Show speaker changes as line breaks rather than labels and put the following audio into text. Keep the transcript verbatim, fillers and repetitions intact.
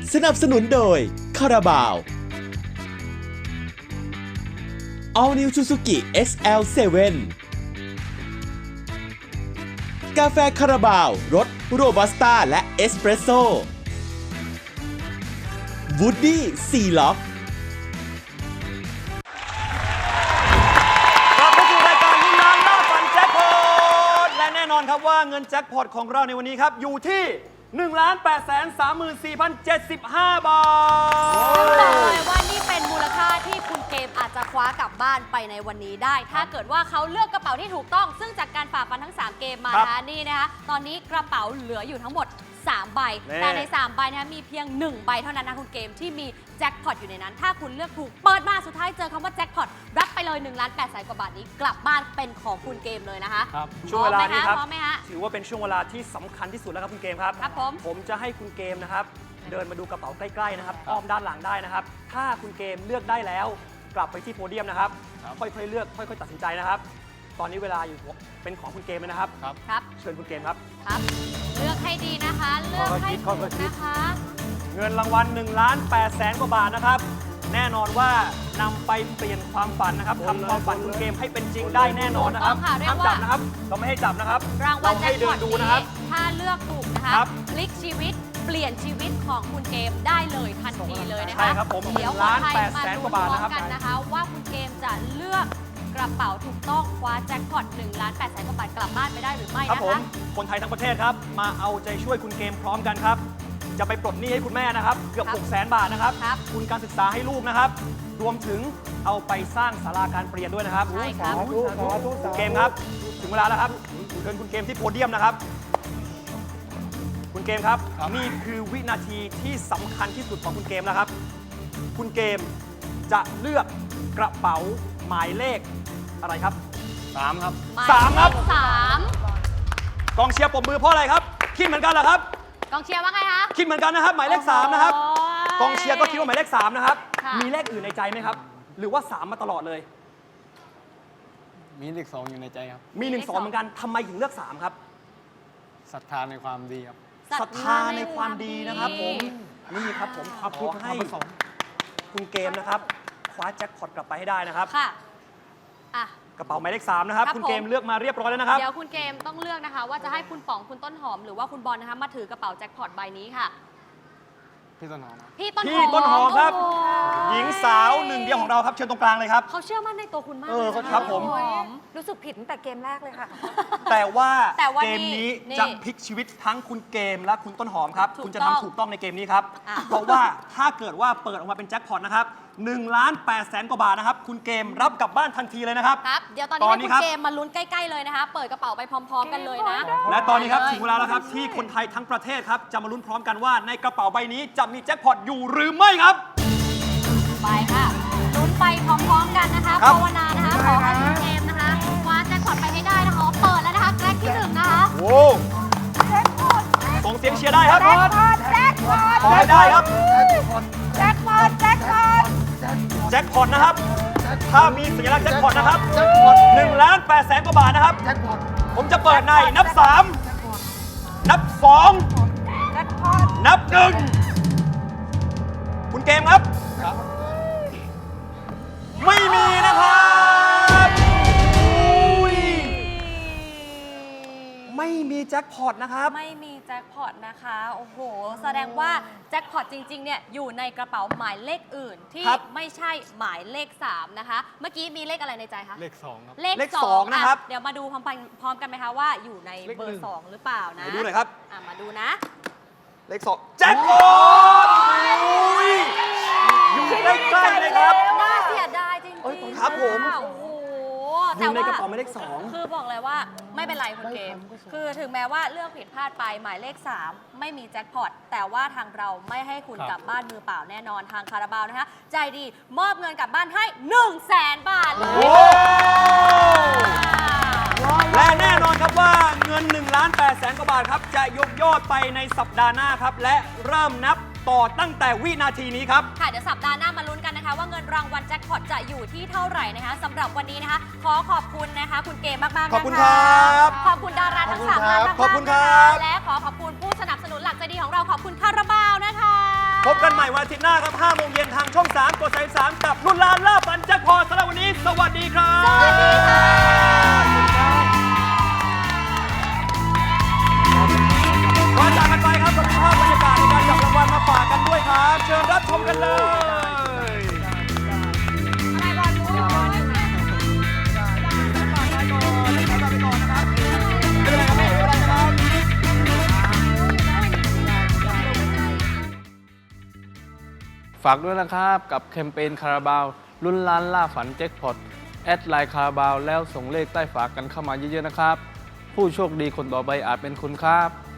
สนับสนุนโดยคาราบาว All New Suzuki เอ็กซ์ แอล เซเว่น กาแฟคาราบาวรสโรบัสต้าและเอสเปรสโซ่วูดดี้ซีล็อก
กลับมาสู่รายการลุ้นล้านล่าฝันแจ็คพอตและแน่นอนครับว่าเงินแจ็คพอตของเราในวันนี้ครับอยู่ที่ หนึ่งล้านแปดแสนสามหมื่นสี่พันเจ็ดสิบห้า บาท
ซึ่งบอกเลยว่านี่เป็นมูลค่าที่คุณเกมอาจจะคว้ากลับบ้านไปในวันนี้ได้ ถ้าเกิดว่าเขาเลือกกระเป๋าที่ถูกต้อง ซึ่งจากการฝ่าฟันทั้งสามเกมมานะคะนี่นะคะตอนนี้กระเป๋าเหลืออยู่ทั้งหมดสามใบแต่ในสามใบนะคะมีเพียงหนึ่งใบเท่านั้นนะคุณเกมที่มีแจ็คพอตอยู่ในนั้นถ้าคุณเลือกถูกเปิดมาสุดท้ายเจอคำว่าแจ็คพอตรับไปเลยหนึ่งล้านแปดแสนกว่าบาทนี้กลับบ้านเป็นของคุณเกมเลยนะคะ
ครับช่วงเวลานี้ครับ
พร้อมไหมฮะ
ถือว่าเป็นช่วงเวลาที่สำคัญที่สุดแล้วครับคุณเกมครับ
ครับผม
ผมจะให้คุณเกมนะครับเดินมาดูกระเป๋าใกล้ๆนะครับอ้อมด้านหลังได้นะครับถ้าคุณเกมเลือกได้แล้วกลับไปที่โพเดียมนะครับค่อยๆเลือกค่อยๆตัดสินใจนะครับตอนนี้เวลาอยู่เป็นของคุณเกมนะครับ
ครับ
เชิญคุณเกมครับ
ครับ เลือกให้ดีนะคะ เลือกให้ถูกนะคะ
เงินรางวัล1ล้านแปดแสนกว่าบาทนะครับแน่นอนว่านำไปเปลี่ยนความฝันนะครับทำความฝันคุณเกมให้เป็นจริงได้แน่นอนนะครับ
ถูกต้องค่ะเรีย
ห้าก ม
ว่า
จับนะครับเราไม่ให้จับนะครับ
รางวัล
เให้
แจ็ค
เดิ
พอน ต
ดู
นี้
นะครับ
ถ้าเลือกถูกนะคะ
ครับ
พลิกชีวิตเปลี่ยนชีวิตของคุณเกมได้เลยทันทีเลยนะคะ
ใช่ครับผม
เดี๋ยว
หนึ่งล้าน
คนไทย
แปดแสน
ม
กว่าบาทนะครับ
กันนะคะว่าคุณเกมจะเลือกกระเป๋าถูกต้องคว้าแจ็คพอตหนึ่งล้านแปดแสนกว่าบาทกลับบ้านไปได้หรือไม่
ครับ
นะ
ผม
คะ
คนไทยทั้งประเทศครับมาเอาใจช่วยคุณเกมพร้อมกันครับจะไปปลดหนี้ให้คุณแม่นะครับเกือบ
ครับ
หกแสนบาทนะครับ
ครับ
ทุนการศึกษาให้ลูกนะครับรวมถึงเอาไปสร้างศาลาการเปลี่ยนด้วยนะครับ
ใช่ครับ
คุณเกมครับถึงเวลาแล้วครับเชิญคุณเกมที่โพเดียมนะครับ คุณเกมครับนี่คือวินาทีที่สำคัญที่สุดของคุณเกมแล้วครับ คุณเกมจะเลือกกระเป๋าหมายเลขอะไรครับสามครับ
หมาย
สามครับ
เลขสาม
กองเชียร์ปรบมือเพราะอะไรครับคิดเหมือนกันเหรอครับ
กองเชียร์ว่าไงคะ
คิดเหมือนกันนะครับ หมายเลขสามนะครับ
โอ้ย
กองเชียร์ก็คิดว่าหมายเลขสามนะครับ
ค่ะ
มีเลขอื่นในใจไหมครับ หรือว่าสามมาตลอดเลย
มีเลขสองอยู่ในใจครับ
มีหนึ่งสองเหมือนกันทำไมถึงเลือกสามครับ
ศรัทธาในความดีครับ
ศรัทธาในความดีนะครับผมนี่ครับผมขอให้คุณเกมนะครับคว้าแจ็คพอตกลับไปให้ได้นะครับ
ค่ะอ่ะ
กระเป๋าหมายเลขสามนะครับ
ครับ
คุณเกม
ผม
เลือกมาเรียบร้อยแล้วนะครับ
เดี๋ยวคุณเกมต้องเลือกนะคะ ว่าจะให้คุณป๋องคุณต้นหอมหรือว่าคุณบอลนะคะมาถือกระเป๋าแจ็คพอตใบนี้ค่ะ
พี่ต้นหอมครับ
พี่ต้นห
พี่
อม
ต้นหอมครับ
โอ้โ
หญิงสาวหนึ่งเดียวของเราครับเชิญตรงกลางเลยครับ
เขาเชื่อมั่นในตัวคุณมาก
เออ
เลยนะะ
ครับผม
ต้นหอม
รู้สึกผิดตั้งแต่เกมแรกเลยค่ะ
แต่ว่า
แต่ว่า
เกมนี้
นี่
จะพลิกชีวิตทั้งคุณเกมและคุณต้นหอมครับ
ถูก
คุณจะ
ต้อง
ทำถูกต้องในเกมนี้ครับ
อ่ะ
เพราะว่าถ้าเกิดว่าเปิดออกมาเป็นแจ็คพอตนะครับหนึ่งล้านแปดแสนกว่าบาทนะครับ คุณเกมรับกลับบ้านทันทีเลยนะครับ
ครับ เดี๋ยวตอน
ต
นี้
อน
ให้
นี้
คุณ
ครับ
เกมมาลุ้นใกล้ๆเลยนะคะ เปิดกระเป๋าไปพร้อม ๆ กันเลยนะ
และตอนนี้ครับถึงเวลาแล้วครับที่คนไทยทั้งประเทศครับจะมาลุ้นพร้อมกันว่าในกระเป๋าใบนี้จะมีแจ็คพอตอยู่หรือไม่ครับ
ไปค่ะลุ้นไปพร้อมๆกันนะคะ
ครับ
ภาวนานะคะ ขอให้คุณเกมนะคะคว้าแจ็คพอตไปให้ได้นะคะเปิดแล้วนะคะแกร็กที่หนึ่งนะคะ
โอ้ส่งเสียงเชียร์ได้ครับ
แจ็คพอตแจ็คพอต
ขอให้ได้ครับ
แจ็คพอตแจ็คพอต
แจ็คพอตนะครับ ถ้ามีสัญลักษณ์แจ็คพอตนะครับหนึ่งล้านแปดแสนกว่าบาทนะครับ ผมจะเปิดในนับสามนับสอง
แจ็คพอต
นับหนึ่งคุณเกมครับ ไม่มีนะครับอุ้ยไม่มีแจ็คพอตนะครับ
ไม่มีแจ็คพอตนะคะ โอ้โห แสดงว่าแจ็คพอตจริงๆ เนี่ยอยู่ในกระเป๋าหมายเลขอื่น ที่
ครับ
ไม่ใช่หมายเลขสามนะคะ เมื่อกี้มีเลขอะไรในใจคะ
เลขสองครับ
เลข
เลข
ส
ส
อ
อง งนะครับ
อ่เดี๋ยวมาดูพร้อมกันพร้อมกันไหมคะว่าอยู่ใน
เลข
เบอ
หนึ่
ร์
ง
สองหรือเปล่านะ
ไหนดูหน่อยครับ
อ่ะมาดูนะ
เลขสองแจ็คพอตอุ้ยอยู่ใกล้ๆเลยครับ
น่าเสียดายจริง
เอ้ย
ๆ
ครับผม
โอ้โห
อยู่ใน
แต่ว่
กระเป๋าหมายเลขสอง
คือบอกเลยว่าไม่เป็นไรคุณเกม คือถึงแม้ว่าเลือกผิดพลาดไปหมายเลขสามไม่มีแจ็คพอตแต่ว่าทางเราไม่ให้คุณ
ครับ
กลับบ้านมือเปล่าแน่นอนทางคาราบาวนะคะ ใจดีมอบเงินกลับบ้านให้หนึ่งแสนบาทเลย
โอ้และแน่นอนครับว่าเงิน1ล้าน8แสนกว่าบาทครับจะยกยอดไปในสัปดาห์หน้าครับและเริ่มนับต่อตั้งแต่วินาทีนี้ครับ
ค่ะเดี๋ยวสัปดาห์หน้ามาลุ้นกันนะคะ ว่าเงินรางวัลแจ็คพอตจะอยู่ที่เท่าไหร่นะคะสำหรับวันนี้นะคะ ขอขอบคุณนะคะ คุณเกมมากๆนะคะ
ขอบคุณครับ
ขอบคุณดาราทั้งสามท่านมากๆ
ขอบคุณครับ
นะคะและขอขอบคุณผู้สนับสนุนหลักใจดีของเราขอบคุณคาราบาวนะคะ
พบกันใหม่วันอาทิตย์หน้าครับห้าโมงเย็นทางช่องสามกดสามสิบสามกับลุ้นล้านล่าฝันแจ็คพอตสำหรับวันนี้สวัสดีครับ
สวัสดีค่ะ
ก่อนจากกันไปครับเรามีภาพบรรยากาศในการจับรางวัลมาฝากกันด้วยครับ เชิญรับชมกันเลย
อะไรบอลรู้อยู่บอล
ไม่เป็นไรครับไม่เป็นไรครับ
ฝากด้วยนะครับกับแคมเปญคาราบาวลุ้นล้านล่าฝันแจ็คพอตแอดไลน์คาราบาวแล้วส่งเลขใต้ฝากกันเข้ามาเยอะๆนะครับ ผู้โชคดีคนต่อไปอาจเป็นคุณครับ